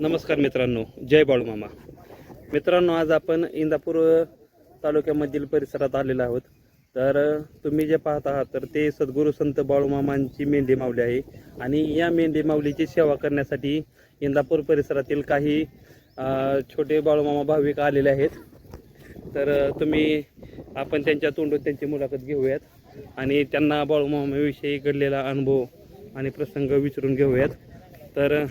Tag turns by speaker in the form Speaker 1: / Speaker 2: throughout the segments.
Speaker 1: नमस्कार मित्रांनो, जय बाळूमामा. मित्रांनो, आज आपण इंदापूर तालुक्यामधील परिसरात आलेलो आहोत. तर तुम्ही जे पाहत आहात तर ते सद्गुरू संत बाळूमामांची मेंढी माऊली आहे. आणि या मेंढी माऊलीची सेवा करण्यासाठी इंदापूर परिसरातील काही छोटे बाळूमामा भाविक आलेले आहेत. तर आपण त्यांच्या तोंडून त्यांची मुलाखत घेऊयात आणि त्यांना बाळूमामाविषयी घडलेला अनुभव आणि प्रसंग विचारून घेऊयात. तर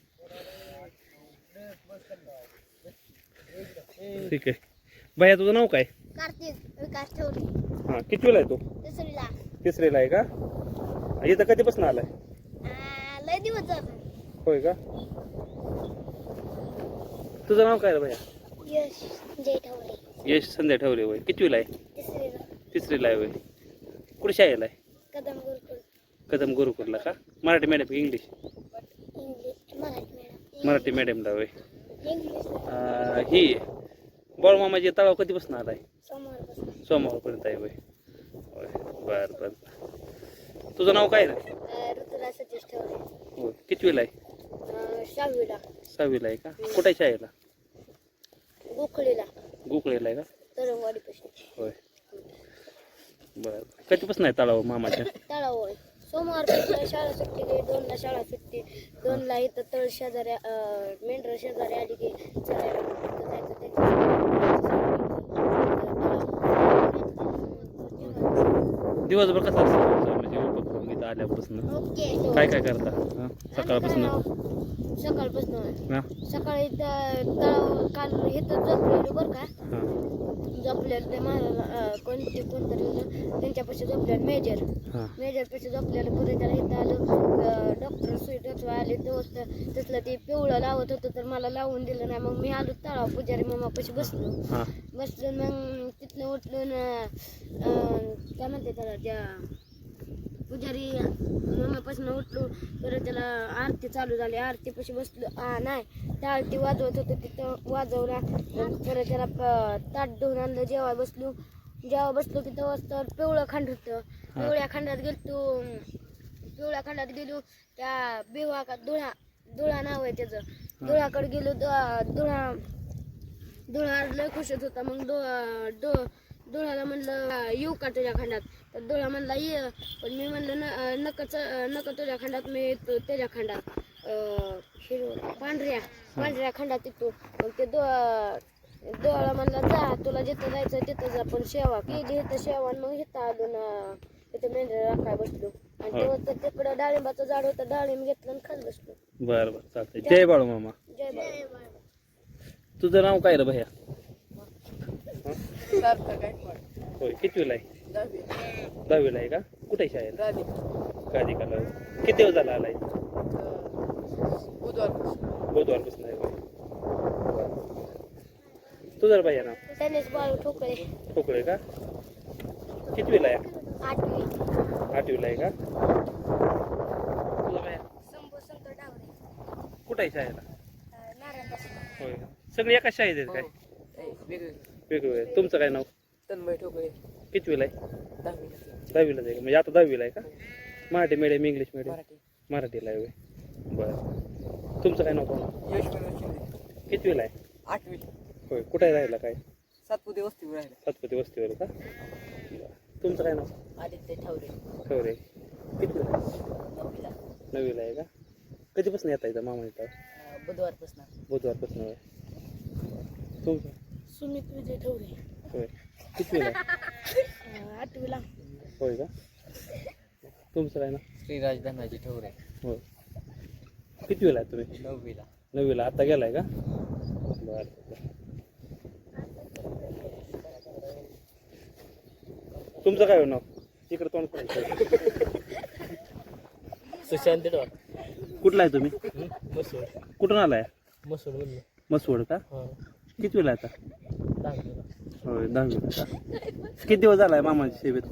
Speaker 1: ठीक आहे. भैया, तुझं नाव काय?
Speaker 2: कार्तिक विकास ठेवले.
Speaker 1: हां, कितवीला आहे तू?
Speaker 2: तिसरीला.
Speaker 1: तिसरीला आहे का? इथं कधीपासून आलाय?
Speaker 2: लय दिवस झाले.
Speaker 1: होय का? तुझं नाव काय रे भैया?
Speaker 2: यश जय ठेवले.
Speaker 1: यश संध्या ठेवले. होय, कितवीला आहे?
Speaker 2: तिसरीला.
Speaker 1: तिसरीला आहे. होय, कुठे शाळेला आहे?
Speaker 2: कदम गुरुकुल.
Speaker 1: कदम गुरुकुलला का? मराठी मॅडम की English?
Speaker 2: English Marathi madam.
Speaker 1: Marathi मॅडमला. होय.
Speaker 2: इंग्लिश.
Speaker 1: ही बाळूमामाची तळाव कधीपासून आलाय?
Speaker 2: सोमवारपासून.
Speaker 1: सोमवारपर्यंत आहे. होय होय, बरं बरं. तुझं नाव काय रे?
Speaker 2: ऋतुराज सतीश ठेवले.
Speaker 1: होय, कितवीला आहे?
Speaker 2: 6वीला.
Speaker 1: 6वीला आहे का? कुठे आहे शाळेला?
Speaker 2: गोखळीला.
Speaker 1: गोकुळेला आहे का?
Speaker 2: तरंगवाडीपासून.
Speaker 1: होय, बरं. कधीपासून आहे तळाव मामाच्या?
Speaker 2: तळावर सोमवारपासून शाळा सुट्टी गेली. 2ला शाळा सुट्टी. 2ला इथं तळ शेजारी मेंढर शेजारी आली की चलायला जायचं
Speaker 1: दिवसभर कसं असतं म्हणजे उपक्रम इथं आल्यापासून?
Speaker 2: ओके.
Speaker 1: काय काय करता सकाळपासून?
Speaker 2: सकाळपासून
Speaker 1: हां
Speaker 2: सकाळी तळाव काल इथं झोपलेलो बरं का.
Speaker 1: हां
Speaker 2: झोपलेलं ते महाराज कोणतरी होतं त्यांच्यापाशी झोपलेलं मेजर
Speaker 1: हां
Speaker 2: पाशी झोपलेलं. पुढे त्याला इथं आलो. डॉक्टर सुई टोचवा आले तसलं ते पिवळं लावत होतं तर मला लावून दिलं नाही. मग मी आलो तळाव पुजारी मामापाशी बसलो.
Speaker 1: हां
Speaker 2: मग तिथनं उठलून काय म्हणते त्याला त्या पुजारी मामापासून उठलो तर त्याला आरती चालू झाली. आरतीपाशी बसलो. नाही, त्या आरती वाजवत होतं तिथं वाजवला. परत त्याला ताट धुवून आणलं. जेव्हा बसलो की तेव्हा पिवळं खांड होतं. पिवळ्या खंडात गेलो. त्या बिवा का धुळा नाव आहे त्याचं. धुळाकडे गेलो. धुळा लय खुशच होता. मग धुळाला म्हणलं येऊ का तुझ्या खंडात? तर धुळा म्हणला ये. पण मी म्हणलं नका तुझ्या खंडात, मी येतो त्याच्या खंडात. पांढऱ्या खंडात येतो. मग ते डोळा म्हणला जा, तुला जिथं जायचं तिथं जा. पण सेवा केली इथं सेवा. मग इथं आलो ना, तिथं मेंढ्या राखाय बसलो. आणि तेव्हा तिकडं डाळिंबाचं झाड होतं. डाळिंब घेतलं आणि खात बसलो.
Speaker 1: बरं बरं, चालतंय. जय बाळूमामा.
Speaker 2: जय बाबा.
Speaker 1: तुझं नाव काय रे भैया? होय, कितवीला आहे? 10वीला आहे का? कुठे आहे शाळेला? गादिकाला. किती दिवस झाला आलाय? बुधवारपासून आहे. तुझं भैया नाव?
Speaker 2: त्यांनीच बाळू ठोकळे.
Speaker 1: ठोकळे का? कितवीला आहे?
Speaker 2: 8वी.
Speaker 1: 8वीला आहे का? तुझं भैया?
Speaker 2: संभू संत डावरे.
Speaker 1: कुठे आहे शाळेला?
Speaker 2: नारायणपासून.
Speaker 1: होय का? सगळे एकाच शाळेत आहेत काय? वेगवेगळे. तुमचं काय नाव?
Speaker 3: तन्मय ठोकळे.
Speaker 1: कितवीला आहे?
Speaker 3: 10वीला.
Speaker 1: 10वीला आहे का? म्हणजे आता 10वीला आहे का? Marathi medium English medium?
Speaker 3: Marathi.
Speaker 1: मराठीला आहे. होय, बरं. तुमचं काय नाव पाहू?
Speaker 3: यश मनोज शिंदे.
Speaker 1: कितवीला आहे?
Speaker 3: 8वी.
Speaker 1: होय, कुठे राहिला काय?
Speaker 3: सातपुते वस्तीवर राहिला.
Speaker 1: सातपती वस्तीवर का? बरं. तुमचं काय नाव?
Speaker 3: आदित्य ठवरे.
Speaker 1: खबरे. कितवीला आहे?
Speaker 3: 9वीला.
Speaker 1: 9वीला आहे का? कधीपासून येता येतं मामा इथं?
Speaker 3: बुधवारपासून.
Speaker 1: बुधवारपासून. होय. तुमचं?
Speaker 2: सुमित विजय ठेवले.
Speaker 1: होय, कितवीला आहे?
Speaker 2: 8वीला.
Speaker 1: होय का? तुमचं काय ना?
Speaker 3: श्रीराज धनाजी ठवरे.
Speaker 1: होय, कितवीला आहे तुम्ही?
Speaker 3: 9वीला.
Speaker 1: 9वीला. आता गेलाय का? बरं. तुमचं काय नाव? इकडे तोंड करायचं.
Speaker 3: सुशांत डॉ.
Speaker 1: कुठला आहे तुम्ही?
Speaker 3: मसूर.
Speaker 1: कुठून आलाय?
Speaker 3: मसूर बोललो.
Speaker 1: मसवड का? कितवीला आहे आता?
Speaker 3: 10वीला.
Speaker 1: होय, 10वीला का? किती दिवस झालाय मामाच्या सेवेत?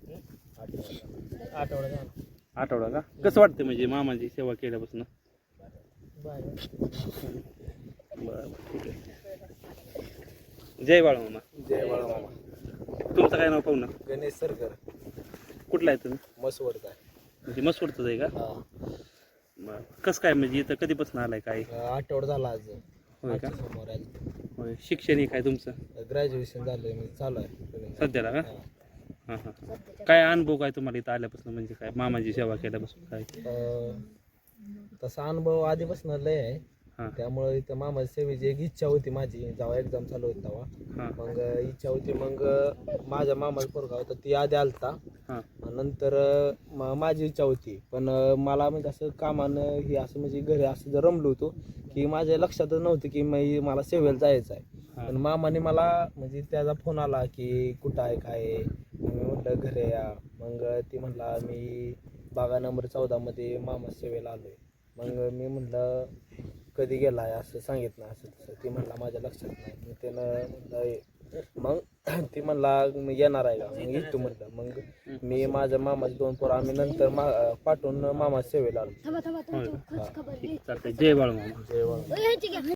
Speaker 3: आठवडा झाला.
Speaker 1: आठवडा का? कसं वाटतं म्हणजे मामाची सेवा केल्यापासून?
Speaker 3: बरं.
Speaker 1: बरं, ठीक आहे. जय बाळूमामा.
Speaker 3: जय बाळामामा.
Speaker 1: तुमचं काय नाव पाहुणं?
Speaker 3: गणेश सरकर.
Speaker 1: कुठला आहे तुम्ही?
Speaker 3: मसवडचा.
Speaker 1: म्हणजे मसवडचंच आहे का?
Speaker 3: हा.
Speaker 1: बरं कसं काय म्हणजे इथं कधीपासून आलाय काय
Speaker 3: आठवडा झाला आज
Speaker 1: होय का
Speaker 3: समोर
Speaker 1: होय शिक्षण हे काय तुमचं
Speaker 3: ग्रॅज्युएशन झालंय मी चालू आहे
Speaker 1: सध्याला का हां हां काय अनुभव काय तुम्हाला इथं आल्यापासून म्हणजे काय मामाची सेवा केल्यापासून काय
Speaker 3: तसा अनुभव आधीपासून लय आहे
Speaker 1: हां
Speaker 3: त्यामुळे इथं मामाच्या सेवेची एक इच्छा होती माझी जेव्हा एक्झाम चालू होती तेव्हा
Speaker 1: हां
Speaker 3: मग इच्छा होती मग माझ्या मामाचा पोरगा होता ती आधी आलता
Speaker 1: हां
Speaker 3: नंतर माझी इच्छा होती पण मला म्हणजे असं कामानं हे असं म्हणजे घरी असं जर रमलो होतो की माझ्या लक्षातच नव्हतं की मला सेवेला जायचं आहे पण मामाने मला म्हणजे त्याचा फोन आला की कुठं आहे काय आहे मी म्हटलं घरी या मग ती म्हटला मी बागा नंबर 14 मध्ये मामा सेवेला आलोय मग मी म्हटलं कधी गेला आहे असं सांगितलं असं तसं ती म्हणला माझ्या लक्षात नाही मग त्यानं म्हटलं मग ती म्हणला मी येणार आहे का मग येतो म्हटलं मग मी माझ्या मामाचे 2 पोरं आम्ही नंतर पाठवून मामा सेवेला आलो
Speaker 2: थांबा थांबा तुमची खबर घे
Speaker 1: चालतंय जय बाळूमामा
Speaker 3: जेवण
Speaker 2: ह्याची घ्या